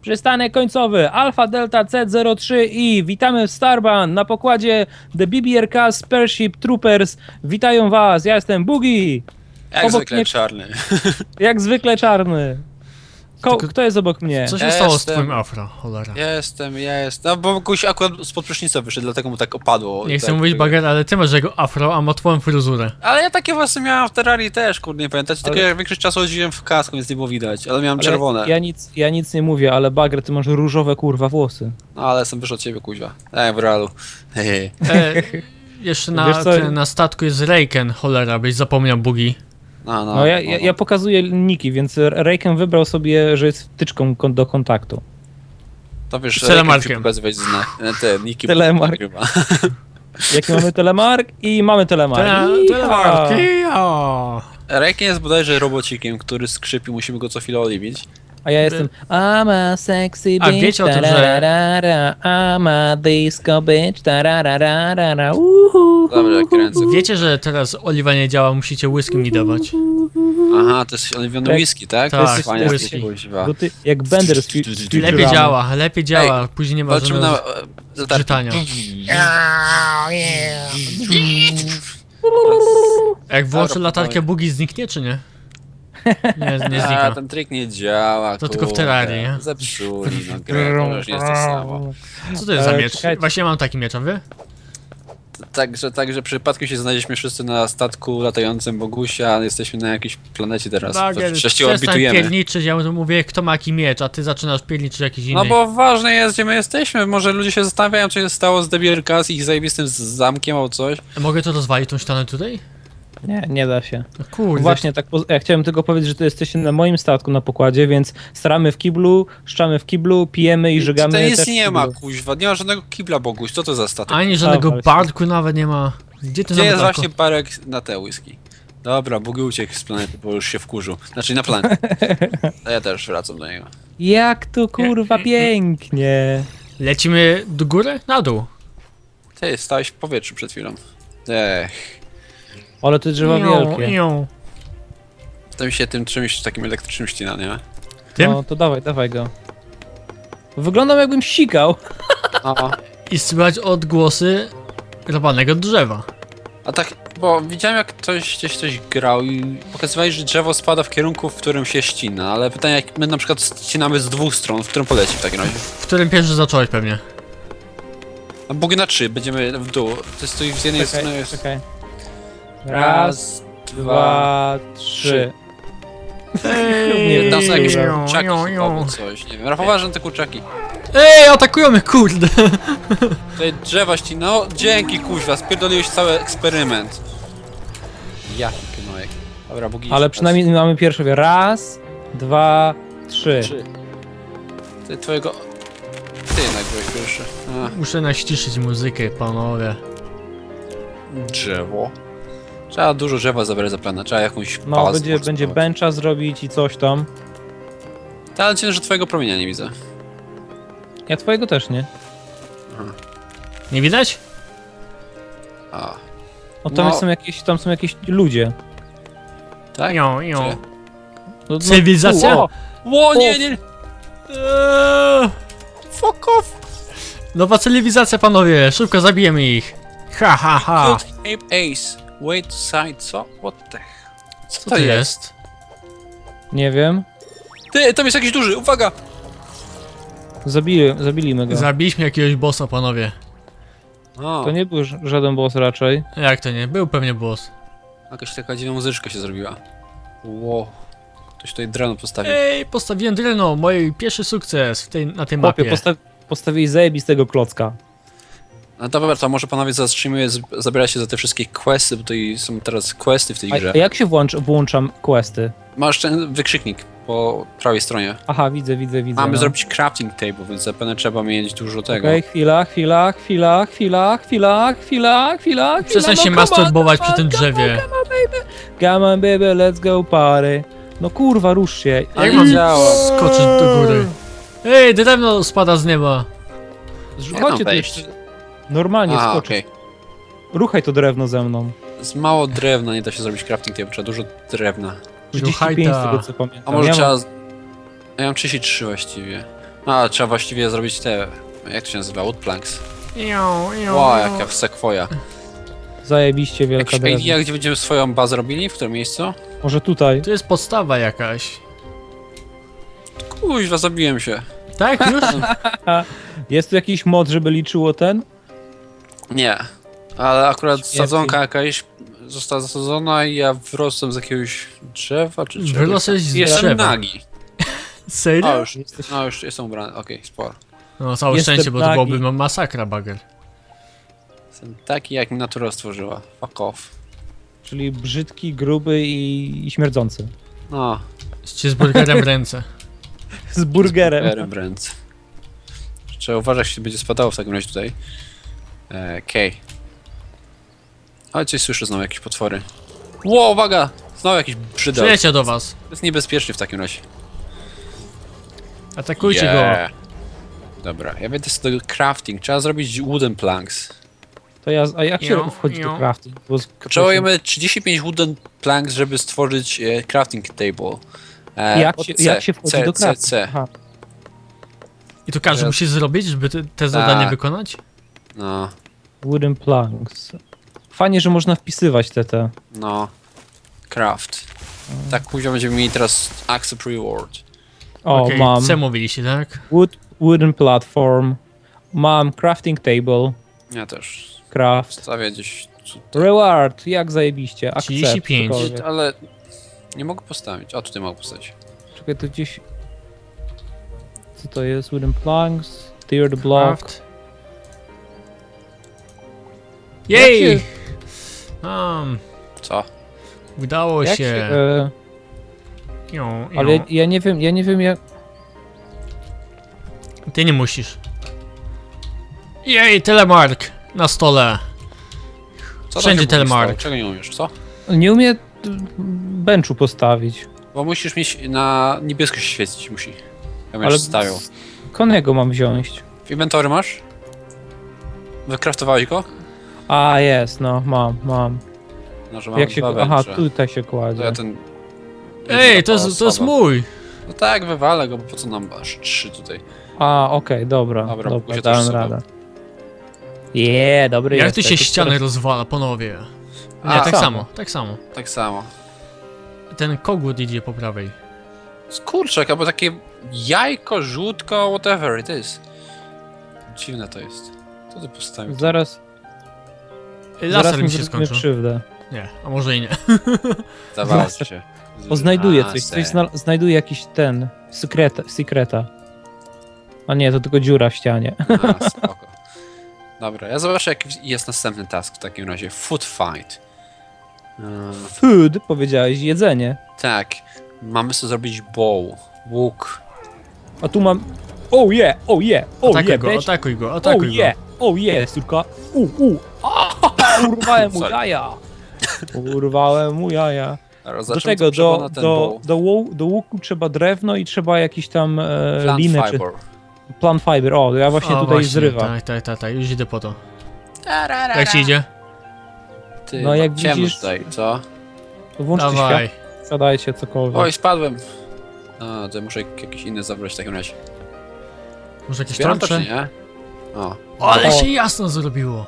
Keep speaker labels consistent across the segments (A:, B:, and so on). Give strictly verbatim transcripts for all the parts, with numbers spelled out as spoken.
A: Przystanek końcowy Alpha Delta C zero trzy i witamy w Starban na pokładzie The B B R K Spaceship Troopers. Witają was, ja jestem Bugi.
B: Jak
A: Obok
B: zwykle
A: mnie-
B: czarny.
A: Jak zwykle czarny. Ko
C: Tylko-
A: Kto jest obok mnie?
C: Co się
B: Ja
C: stało z
B: jestem-
C: twoim afro, cholera?
B: Jestem, ja jestem. No bo Kuś akurat spod prysznica wyszedł, dlatego mu tak opadło.
C: Nie
B: I
C: chcę
B: tak,
C: mówić bager, ale ty masz jego afro, a ma twoją fryzurę.
B: Ale ja takie właśnie miałem w Terrarii też, kurde, nie pamiętacie? Tylko
A: Ale-
B: ja większość czasu chodziłem w kasku, więc nie było widać, ale miałem
A: Ale
B: czerwone.
A: Ja nic, ja nic nie mówię, ale Bagger, ty masz różowe kurwa włosy.
B: No ale jestem wyższy od ciebie, kuźwa. Tak, w realu. Hehe.
C: E, jeszcze na,
A: Wiesz co?
C: ten, na statku jest Reiken, cholera, byś zapomniał Bugi.
B: No, no,
A: No ja, ja, ja pokazuję niki, więc Rayken wybrał sobie, że jest wtyczką kon do kontaktu.
B: To wiesz,
C: telemarkiem.
B: Rejkiem pokazywać zna. Te niki.
A: Telemark.
B: Chyba.
A: Jaki mamy telemark? I mamy telemark.
C: Tele-
A: Iha!
C: Telemarki, o.
B: Rejkiem jest bodajże robocikiem, który skrzypi, musimy go co chwilę oliwić.
A: A ja jestem I'm a sexy
C: A
A: bitch,
C: wiecie o tym, że-
A: tararara, I'm a disco bitch, tararara, uhu.
B: Dobra, kręcę.
C: Wiecie, że teraz oliwa nie działa, musicie whisky mi dawać.
B: Aha, to jest oliwiony
A: Tak.
B: whisky, tak?
C: Tak,
B: To jest fajnie,
C: whisky.
B: kuźwa.
A: Bo ty, jak Bender z fi- z
C: Lepiej
A: Futuramy.
C: działa, lepiej działa, później nie ma
B: Walczymy na...
C: żadnego
B: e, latarki.
C: czytania. Jak włączę
B: Dobra,
C: latarkę,
B: spokojnie.
C: Bugi zniknie, czy nie? Nie, nie
B: A,
C: znika.
B: ten trik nie działa,
C: To tylko w
B: kurde.
C: Terrarii, nie?
B: Zepsuli, no grę, to już nie jest to samo.
C: Co to jest za
A: E,
C: miecz?
A: czekajcie.
C: Właśnie ja mam taki miecz, a wy?
B: Także, także przypadkiem się znaleźliśmy wszyscy na statku latającym Bogusia, jesteśmy na jakiejś planecie teraz.
C: Bagier,
B: Przecież się
C: przestań
B: orbitujemy.
C: pierniczyć, ja mówię kto ma jaki miecz, a ty zaczynasz pierniczyć jakiś inny.
B: No bo ważne jest, gdzie my jesteśmy. Może ludzie się zastanawiają, co się stało z D B R K, z ich zajebistym z- zamkiem albo coś.
C: Mogę to rozwalić, tą ścianę tutaj?
A: Nie, nie da się.
C: No kurde.
A: Właśnie, tak, po- ja chciałem tylko powiedzieć, że to jesteście na moim statku na pokładzie, więc staramy w kiblu, szczamy w kiblu, pijemy i żygamy
B: Tutaj nic
A: też w
B: nie
A: kiblu.
B: ma, kuźwa. Nie ma żadnego kibla, Boguś. Co to za statek?
C: Ani żadnego
A: właśnie.
C: barku nawet nie ma. Gdzie ty
B: Gdzie jest
C: nawet
B: właśnie parek na te whisky? Dobra, Bogi uciekł z planety, bo już się wkurzył. Znaczy na planetę. A ja też wracam do niego.
A: Jak tu kurwa pięknie.
C: Lecimy do góry? Na dół.
B: Ty, stałeś w powietrzu przed chwilą. Ech.
A: Ale te drzewa
C: Ią,
A: wielkie.
C: ią.
B: To mi się tym czymś takim elektrycznym ścina, nie?
C: Tym?
A: No to dawaj, dawaj go. Wyglądam jakbym sikał.
B: O,
C: I słychać odgłosy robanego drzewa.
B: a tak, bo widziałem jak ktoś gdzieś coś grał i pokazywali, że drzewo spada w kierunku, w którym się ścina, ale pytanie, jak my na przykład ścinamy z dwóch stron, w którym poleci w takim razie?
C: W którym pierwszy zacząłeś pewnie.
B: A Bogi na trzy, będziemy w dół. To jest tu z jednej strony
A: Czekaj,
B: jest...
A: czekaj. Raz, dwa, trzy.
C: Ej,
B: Tam są jakieś
C: ią,
B: kurczaki
C: ią,
B: chyba,
C: ią.
B: albo coś, nie wiem. Rafał, uważaj na te kurczaki.
C: Ej, atakują mnie, kurde!
B: Tutaj drzewa ścina, no dzięki kuźwa, spierdoliłeś cały eksperyment. Jaki knojek. Dobra, Bogi.
A: Ale przynajmniej mamy pierwszy. Raz, dwa, trzy.
B: Trzy. Ty twojego... Ty jednak byłeś pierwszy. A,
C: Muszę naściszyć muzykę, panowie.
B: drzewo. Trzeba dużo drzewa zabrać za plana, trzeba jakąś
A: No,
B: pałacę
A: będzie, będzie
B: pocztować.
A: bencha zrobić i coś tam.
B: Ta, ale cię, że twojego promienia nie widzę.
A: Ja twojego też nie.
C: Nie widać?
B: A,
A: No tam
B: No.
A: są jakieś, tam są jakieś ludzie.
B: tak?
C: Ią, ią.
B: Gdzie?
A: No, no,
C: Cywilizacja?
A: tu, o,
B: Ło, nie, nie!
C: Eee,
B: Fuck off!
C: nowa cywilizacja, panowie! Szybko zabijemy ich! Ha, ha, ha!
B: Good Ape Ace. Wait side, co? What the hell? Co,
C: Co to jest?
A: nie wiem.
B: Ty, tam jest jakiś duży, uwaga!
A: Zabili, zabiliśmy go.
C: Zabiliśmy jakiegoś bossa, panowie.
B: O,
A: To nie był ż- żaden boss raczej.
C: Jak to nie? Był pewnie boss.
B: jakaś taka dziwna muzyczka się zrobiła. Ło. Ktoś tutaj drano postawił.
C: Ej, postawiłem dreno, mój pierwszy sukces w tej, na tej
A: Chłopie,
C: mapie.
A: posta postawili zajebistego klocka.
B: No to dobra, to może panowie zastrzymuję, zabiera się za te wszystkie questy, bo tutaj są teraz questy w tej grze.
A: A, a jak się włącz, włączam questy?
B: Masz ten wykrzyknik po prawej stronie.
A: Aha, widzę, widzę, widzę.
B: Mamy
A: no.
B: zrobić crafting table, więc zapewne trzeba mieć dużo tego.
A: Okej, chwila, chwila, chwila, chwila, chwila, chwila, chwila,
C: Przestań
A: chwila,
C: się
A: no, come on,
C: masturbować
A: come
C: przy
A: on,
C: tym
A: come on,
C: drzewie.
A: Come on, baby, come on, baby, let's go party. No kurwa, rusz się.
B: Ale
C: Jak mam
B: działa.
C: skoczyć do góry? Ej, drewno spada z nieba.
B: Jak mam
A: Chodźcie tu
B: wejść?
A: jeszcze. Normalnie
B: Aha,
A: skocz.
B: okej.
A: Ruchaj to drewno ze mną.
B: Z mało drewna nie da się zrobić crafting table, trzeba dużo drewna.
A: trzydzieści pięć z
C: Hajta.
A: tego co pamiętam.
B: A może
A: ja
B: trzeba...
A: mam,
B: Ja mam trzydzieści trzy właściwie. A, trzeba właściwie zrobić te... Jak to się nazywa? Woodplanks.
C: Ią, ią,
B: Ła,
C: ią.
B: jaka sekwoja.
A: Zajebiście wielka
B: Jakiś
A: drewno.
B: idea, gdzie będziemy swoją bazę robili? W którym miejscu?
A: Może tutaj.
C: Tu jest podstawa jakaś.
B: Kuźwa, zabiłem się.
C: Tak, już?
A: Jest tu jakiś mod, żeby liczyło ten?
B: Nie. Ale akurat
A: Śmierci.
B: sadzonka jakaś została zasadzona i ja wyrosłem z jakiegoś drzewa, czy czegoś.
C: Wyrosłeś z
B: Jestem
C: drzewa.
B: nagi. O,
C: Serio?
B: już, no już jestem ubrany, okej, sporo.
C: No całe
A: Jestem
C: szczęście, bo to
A: nagi.
C: byłoby ma- masakra, bager.
B: Jestem taki, jak mi natura stworzyła. Fuck off.
A: Czyli brzydki, gruby i, i śmierdzący.
B: No,
C: Z cheeseburgerem w ręce.
A: Z burgerem.
B: Aaron Brand. Trzeba uważać, jeśli będzie spadało w takim razie tutaj. E, Okej. Ale coś słyszę znowu, jakieś potwory. Ło, uwaga! Znowu jakiś brzydol.
C: Przyjecie do was.
B: To jest niebezpieczny w takim razie.
C: Atakujcie
B: Yeah. Dobra, ja będę sobie do crafting. Trzeba zrobić wooden planks.
A: To ja, a jak się
C: Ją,
A: wchodzi do
C: ją.
A: crafting? Bo z-
B: Potrzebujemy trzydzieści pięć wooden planks, żeby stworzyć e, crafting table. E,
A: Jak
B: pod
A: się,
B: C,
A: jak się wchodzi
B: C,
A: do
B: C,
A: crafting?
B: C.
A: Aha.
C: I to każdy
B: Ja-
C: musi zrobić, żeby te, te zadanie
B: Tak.
C: wykonać?
B: No,
A: Wooden planks. Fajnie, że można wpisywać te te.
B: no. Craft. Tak, później będziemy mieli teraz accept reward.
A: O,
C: Okej,
A: mam.
C: C mówiliście, tak?
A: Wood, wooden platform. Mam crafting table.
B: Ja też.
A: Craft.
B: Stawię gdzieś tutaj.
A: Reward, jak zajebiście. Accept,
C: trzydzieści pięć.
A: cokolwiek.
B: Ale nie mogę postawić. O, tutaj mogę postawić.
A: Czekaj, to gdzieś... Co to jest? Wooden planks. Tiered block.
C: Craft. Jej!
A: Jak
C: Um,
B: Co?
C: udało
A: Jak
C: się.
A: się... E,
C: Ią, ią.
A: ale ja nie wiem, ja nie wiem jak...
C: Ty nie musisz. Jej, telemark na stole.
B: Co tam
C: Wszędzie
B: się
C: telemark.
B: stało? Czego nie umiesz, co?
A: Nie umiem benchu postawić.
B: Bo musisz mieć na niebiesko się świecić, musi. Ja
A: Ale
B: będziesz stawiał.
A: konego mam wziąć?
B: W inwentory masz? Wykraftowałeś go?
A: A, jest, no, mam, mam.
B: No, że mam
A: Jak się...
B: dwa
A: Aha,
B: węże.
A: tutaj się
B: To
A: kładzie.
B: ja ten...
C: Ej, to jest, to jest
B: osoba.
C: mój.
B: No tak, wywalę go, bo po co nam aż trzy tutaj?
A: A, okej, dobra,
B: Dobra,
A: dobra,
B: Bóg się
A: dałem
B: też
A: radę. Jeee, dobry
C: Jak
A: jest.
C: tu się ściany rozwala, panowie? Nie,
B: A,
C: tak
A: samo.
C: samo, tak samo.
B: Tak samo.
C: Ten kogut idzie po prawej.
B: Skurczek, albo takie jajko, żółtko, whatever it is. Dziwne to jest. Co ty postawił?
A: Zaraz,
C: Ej,
A: zaraz
C: Laser
A: mi
C: mi się
A: zrobimy
C: skończył.
A: krzywdę.
C: Nie, a może i nie.
B: Zdawało
A: Laser.
B: się.
A: O, znajduję
B: A,
A: coś,
B: se.
A: coś zna, znajduję jakiś ten, sekreta, sekreta. A nie, to tylko dziura w ścianie.
B: A, spoko. Dobra, ja zobaczę jaki jest następny task w takim razie. Food fight. Eee,
A: Food, powiedziałeś, jedzenie.
B: tak, mamy sobie zrobić bow, łuk.
A: A tu mam... Oh yeah, oh yeah, oh
C: Atakuj
A: yeah,
C: go,
A: bitch.
C: atakuj go,
A: Oh
C: atakuj go.
A: yeah, oh yeah, córka. U, u. Ah, urwałem mu
B: Sorry.
A: jaja. Urwałem mu jaja.
B: Zaraz
A: Do
B: zacznę
A: tego,
B: to trzeba
A: do,
B: na ten
A: do,
B: bow.
A: do, łu- do łuku trzeba drewno i trzeba jakiś tam e,
B: Plant
A: linę czy...
B: fiber.
A: Plant fiber, o, ja właśnie
C: O,
A: tutaj
C: właśnie,
A: zrywam.
C: Tak, tak, tak, tak, już idę po to. Jak ci idzie?
B: Ty,
A: No, jak
B: ciemno
A: widzisz-
B: tutaj, co?
A: To włączcie
C: Dawaj.
A: świat, siadajcie cokolwiek.
B: Oj, spadłem. A, to ja muszę jakieś inne zabrać w takim razie.
C: Może jakieś
B: Zbieram to czy
C: trącze?
B: nie? O.
C: O, ale
A: O.
C: się jasno zrobiło.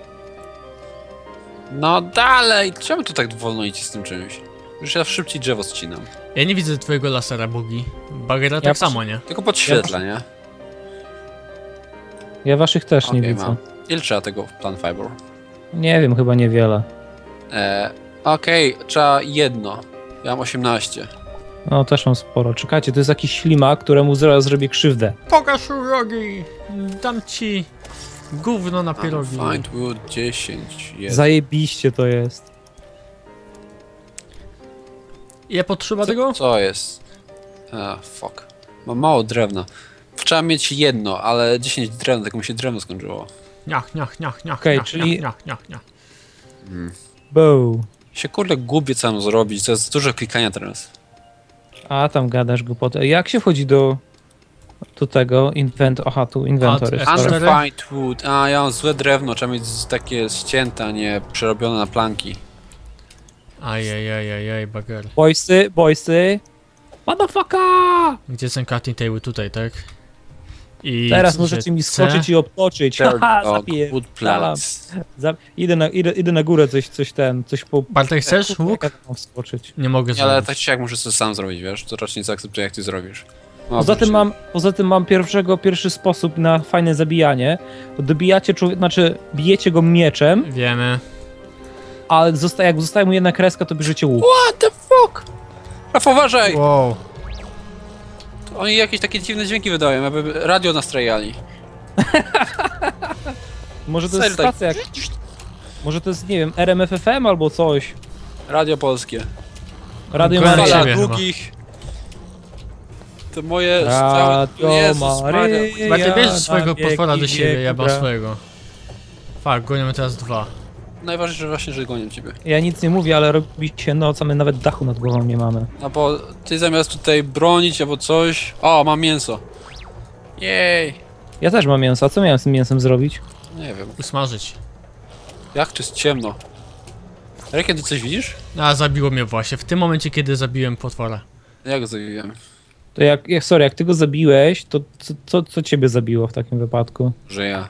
B: No dalej! Czemu tu tak wolno idzie z tym czymś? Już ja szybciej drzewo ścinam.
C: Ja nie widzę twojego lasera, Bugi. Bagera
A: Ja
C: tak
A: przy-
C: samo, nie?
B: Tylko podświetla, nie?
A: Ja waszych też nie
B: Okej,
A: widzę.
B: mam. Ile trzeba tego plant fiber?
A: Nie wiem, chyba niewiele.
B: E, Okej, trzeba jedno. Ja mam osiemnaście.
A: No, też mam sporo. Czekajcie, to jest jakiś ślimak, któremu zaraz zrobię krzywdę.
C: Pokaż rogi! Dam ci gówno na pierogi.
B: Find wood dziesięć. Jest.
A: Zajebiście to jest.
C: Ile potrzeba tego?
B: Co jest? A, fuck. Mam mało drewna. Trzeba mieć jedno, ale dziesięć drewna, tylko mi się drewno skończyło.
C: Niach, niach, niach, niach,
A: Okej,
C: niach,
A: czyli-
C: niach, niach, niach, niach.
A: Bow.
B: Się kurde gubię co mam zrobić, to jest dużo klikania teraz.
A: A, tam gadasz głupotę. Jak się wchodzi do... do tego? Invent... Aha, tu inventory.
C: F
A: sorry.
C: cztery.
B: Unrefined wood. A, ja mam złe drewno, trzeba mieć z- takie ścięte, a nie przerobione na planki.
C: Ajajajajaj, bager.
A: Boysy, boysy. Motherfucker!
C: Gdzie są cutting table? Tutaj, tak? I
A: Teraz
C: co
A: możecie
C: się
A: mi
C: C?
A: skoczyć i obtoczyć. Haha,
B: Dog,
A: zapiję.
B: wood plants.
A: Za, idę, na, idę, idę na górę coś, coś ten, coś po...
C: Bartek, chcesz łuk?
A: Jak ja mam wskoczyć?
C: Nie mogę
B: Nie, ale
C: zrobić.
B: tak czy jak muszę to sam zrobić, wiesz? To raczej nie zaakceptuję, jak ty zrobisz. No,
A: Poza tym
B: wróć.
A: mam, poza tym mam pierwszego, pierwszy sposób na fajne zabijanie. Dobijacie człowieka, znaczy bijecie go mieczem,
C: Wiemy.
A: a zosta, jak zostaje mu jedna kreska, to bierzecie łuk.
B: What the fuck? Rafał, uważaj!
C: Wow.
B: Oni jakieś takie dziwne dźwięki wydają, jakby radio nastrajali.
A: Może to jest
B: Serio, tak.
A: stacja jak... Może to jest, nie wiem, R M F F M albo coś.
B: Radio polskie.
A: Radio
C: Kojarzę
A: Maryja.
B: Fala
C: ciebie
B: długich. To moje...
A: Radio
B: Jezus Maria.
A: Maryja.
C: Bartek, bierz
A: na
C: swojego
A: wieki
C: potwora do siebie, ja mam
A: wieku.
C: swojego. Fak, goniemy teraz dwa.
B: Najważniejsze właśnie, że gonią ciebie.
A: Ja nic nie mówię, ale robi się noc, a my nawet dachu nad głową nie mamy.
B: No bo ty zamiast tutaj bronić albo coś... O, mam mięso. Jej.
A: Ja też mam mięso, a co miałem z tym mięsem zrobić?
B: Nie wiem.
C: Usmażyć.
B: Jak to jest ciemno. Ale kiedy coś widzisz?
C: A, zabiło mnie właśnie, w tym momencie, kiedy zabiłem potwora.
B: Ja go zabiłem.
A: To jak, jak sorry, jak ty go zabiłeś, to co, co, co ciebie zabiło w takim wypadku?
B: Że ja.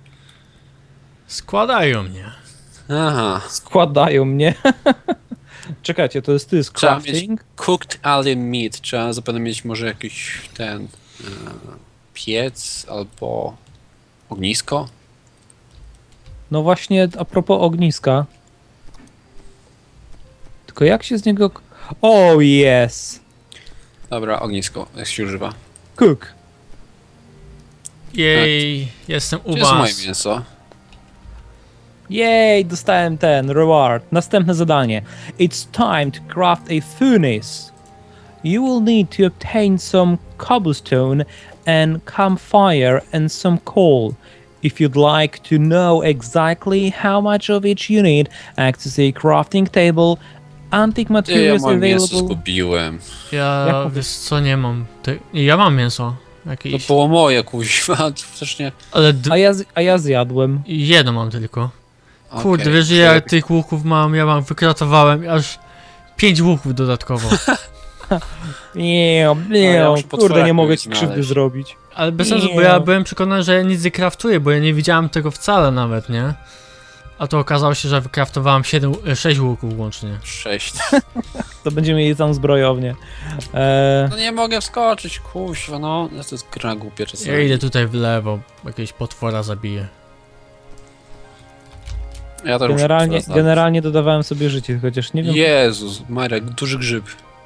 C: Składają mnie.
B: Aha.
A: Składają mnie. Czekajcie, to jest ty z
B: Trzeba mieć
A: crafting?
B: cooked alien meat. Trzeba zapewne mieć może jakiś ten... E, piec albo... ognisko?
A: No właśnie, a propos ogniska. Tylko jak się z niego... Oh yes!
B: Dobra, ognisko, jak się używa.
A: Cook.
C: Jej, jestem u
B: To jest moje
C: was.
B: mięso.
A: Jej, dostałem ten, reward. Następne zadanie. It's time to craft a furnace. You will need to obtain some cobblestone and campfire and some coal. If you'd like to know exactly how much of each you need, access a crafting table, antique
B: Ty, ja
A: materials
B: moje mięso
A: available.
B: zgubiłem.
C: Ja,
A: Jak-
C: wiesz co, nie mam. Ty... Ja mam mięso.
B: To
C: Jakieś.
B: było moje, kuźwa, też nie...
C: Ale d...
A: A ja, z- a ja zjadłem.
C: jedno mam tylko. Kurde,
B: Okej,
C: wiesz, że ja
B: lepiej.
C: tych łuków mam, ja mam, wykratowałem aż pięć łuków dodatkowo.
A: Nie, nie,
B: ja muszę
A: kurde,
B: potwora
A: nie mogę
B: jakiegoś
A: ci krzywdy
B: znaleźć.
A: zrobić.
C: Ale bez sensu, bo
A: Nie.
C: ja byłem przekonany, że ja nic nie kraftuję, bo ja nie widziałem tego wcale nawet, nie? A to okazało się, że wykraftowałem siedem, sześć łuków łącznie.
B: Sześć.
A: To będziemy mieli tam zbrojownię. Eee,
B: No nie mogę wskoczyć, kuźwa, no. To jest gra głupia czasami.
C: Ja idę tutaj w lewo, jakiegoś potwora zabiję.
B: Ja też muszę
A: generalnie,
B: potwora znaleźć.
A: generalnie dodawałem sobie życie, chociaż nie wiem.
B: Jezus, Marek, duży grzyb.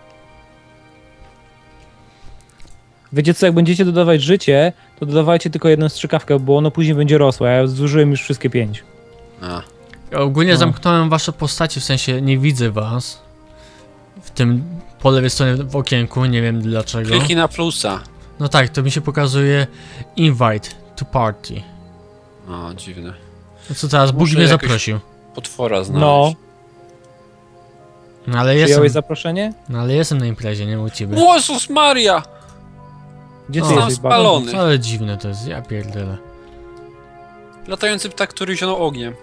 A: Wiecie co, jak będziecie dodawać życie, to dodawajcie tylko jedną strzykawkę, bo ono później będzie rosło, a ja zużyłem już wszystkie pięć.
B: A.
C: Ja ogólnie
A: No.
C: zamknąłem wasze postacie, w sensie nie widzę was. W tym po lewej stronie w okienku, nie wiem dlaczego.
B: Kliknij na plusa.
C: No tak, to mi się pokazuje invite to party.
B: O, dziwne.
C: No co teraz, Bóg
B: Muszę
C: mnie
B: jakoś-
C: zaprosił.
B: Potwora znaleźć.
A: No,
C: No ale jestem,
A: przyjąłeś zaproszenie?
C: no ale jestem na imprezie, nie u ciebie.
B: Jezus Maria!
A: Gdzie ty
C: O.
A: jesteś,
B: Zostałem
A: Babo?
B: spalony.
C: No, ale dziwne to jest, ja pierdolę.
B: Latający ptak, który zionął ogniem.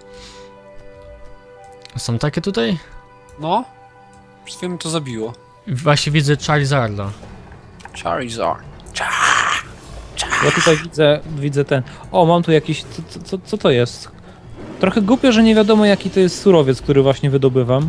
C: Są takie tutaj?
B: No. Przed chwilą to zabiło.
C: Właśnie widzę Charizarda.
B: Charizard.
A: Ja tutaj widzę, widzę ten... O, mam tu jakiś... Co, co- co, co to jest? Trochę głupio, że nie wiadomo jaki to jest surowiec, który właśnie wydobywam.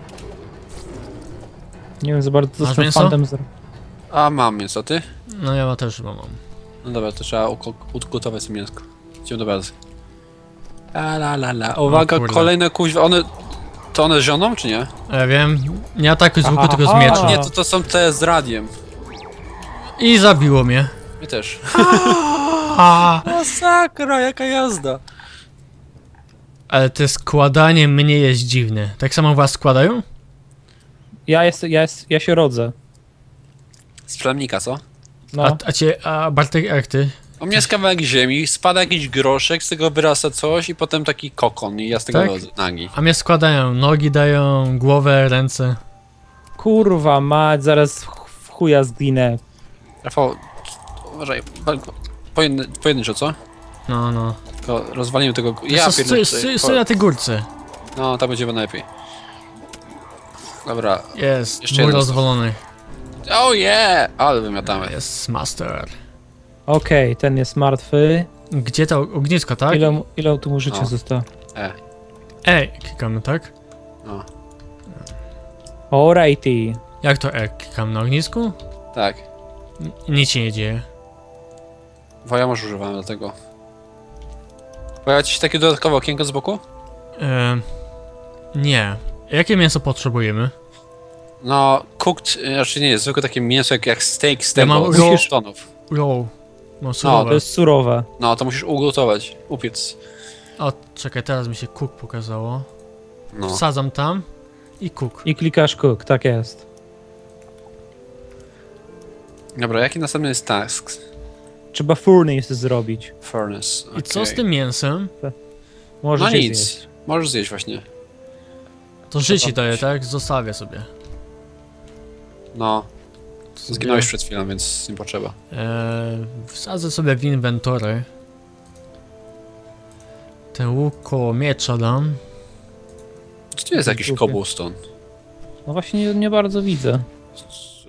A: Nie wiem za bardzo, co
C: Masz
A: z tym
C: mięso?
A: fantem zro...
B: A mam mięso, ty?
C: No ja też chyba mam.
B: No dobra, to trzeba uko- ugotować sobie mięsko. Idziemy do bazy. La la la la. Uwaga,
C: kurde.
B: kolejne kuźwa. One... To one zioną, czy nie?
C: Ja wiem, nie atakuj z łuku,
A: Aha.
C: tylko z miecza.
B: Nie, to, to są te z radiem.
C: I zabiło mnie.
B: My też.
C: A,
B: Masakra, jaka jazda.
C: ale to składanie mnie jest dziwne. Tak samo was składają?
A: Ja, jest, ja, jest, ja się rodzę.
B: Z plemnika, co?
A: No.
C: A, a cię, a Bartek, jak ty?
B: U mnie jest kawałek ziemi, spada jakiś groszek, z tego wyrasta coś i potem taki kokon i ja z tego
C: Tak?
B: rodzę nagi.
C: A mnie składają, nogi dają, głowę, ręce.
A: Kurwa mać, zaraz w- w chuja zginę.
B: Rafał, uważaj, pojedyn pojedynczo, co?
C: No, no.
B: Tylko rozwalimy tego...
C: Ja
B: Ja
C: stój,
B: pierdolę,
C: stój, stój na tej górce.
B: No, tak będzie najlepiej. Dobra.
C: Jest,
B: Jeszcze
C: mój
B: jedno.
C: rozwalony.
B: Oh yeah! Ale wymiatamy.
C: Jest master.
A: Okej, ten jest martwy.
C: Gdzie to ognisko, tak?
A: Ile, mu- ile tu mu życia
B: O.
A: zostało?
B: E,
C: E, klikamy, tak?
B: no.
A: Alrighty.
C: Jak to E? Klikam na ognisku?
B: Tak.
C: N- Nic się nie dzieje.
B: Woja może używamy do tego. Pojawia ci się takie dodatkowe okienko z boku?
C: E, nie. Jakie mięso potrzebujemy?
B: No, cooked, znaczy nie jest, zwykłe takie mięso jak, jak steak z
C: Ja
B: tego,
C: mam
B: z
C: raw-
B: tonów.
C: Roll. No surowe.
A: To jest surowe.
B: No, to musisz ugotować, upiec.
C: O, czekaj, teraz mi się cook pokazało.
B: No.
C: Wsadzam tam i cook.
A: I klikasz cook, tak jest.
B: Dobra, jaki następny jest task?
A: Trzeba furnace zrobić.
B: Furnace,
C: I co z
B: okej.
C: tym mięsem?
A: Możesz
B: No
A: je
B: nic,
A: zjeść.
B: możesz zjeść właśnie.
C: To życie
A: Zobaczyć.
C: daje, tak? Zostawię sobie.
B: No,
C: sobie
B: zginąłeś przed chwilą, więc nie potrzeba.
C: e, wsadzę sobie w inwentory. Ten łuk koło miecza dam.
B: Czy tu jest jakiś
A: Głupie.
B: cobblestone?
A: No właśnie nie, nie bardzo widzę.